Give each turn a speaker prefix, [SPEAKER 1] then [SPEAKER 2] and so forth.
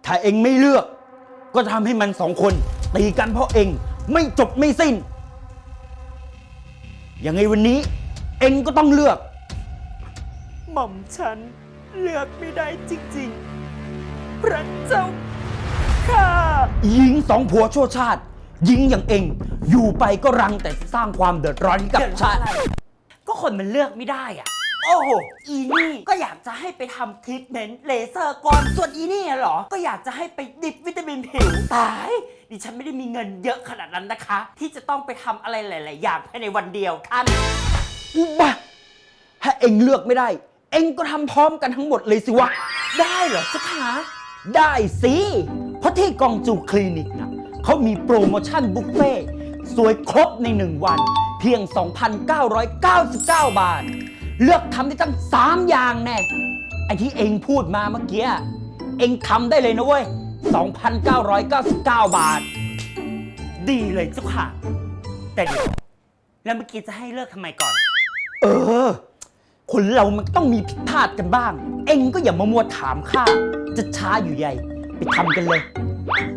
[SPEAKER 1] ถ้าเองไม่เลือกก็ทำให้มันสองคนตีกันเพราะเองไม่จบไม่สิ้นยังไงวันนี้เองก็ต้องเลือก
[SPEAKER 2] หม่อมฉันเลือกไม่ได้จริงๆพระเจ้าค่ะ
[SPEAKER 1] หญิงสองผัวชั่วชาติหญิงอย่างเองอยู่ไปก็รังแต่สร้างความเดือดร้อนให้กับชาติ
[SPEAKER 2] ก็คนมันเลือกไม่ได้อ่ะ โอ้โห อีนี่ก็อยากจะให้ไปทำทรีทเมนต์เลเซอร์ก่อน ส่วนอีนี่เหรอ ก็อยากจะให้ไปดิบวิตามินผิว ตาย ดิฉันไม่ได้มีเงินเยอะขนาดนั้นนะคะ ที่จะต้องไปทำอะไรหลายๆอย่างภายในวันเดียวท่าน
[SPEAKER 1] อุบะถ้าเองเลือกไม่ได้ เองก็ทำพร้อมกันทั้งหมดเลยสิวะ
[SPEAKER 2] ได้เหรอเจ้าคะ
[SPEAKER 1] ได้สิ เพราะที่กองจูคลินิกนะเขามีโปรโมชั่นบุฟเฟ่ต์สวยครบใน 1 วัน เพียง 2,999 บาท เลือกทำได้ตั้ง 3 อย่างแน่ไอที่เองพูดมาเมื่อกี้ เองทำได้เลยนะเว้ย 2,999 บาท
[SPEAKER 2] ดีเลยเจ้าค่ะ แต่เดี๋ยวแล้วเมื่อกี้จะให้เลิกทำไมก่อน
[SPEAKER 1] เออ คนเรามันต้องมีผิดพลาดกันบ้าง เองก็อย่ามามัวถามข้าจะช้าอยู่ใหญ่ ไปทำกันเลย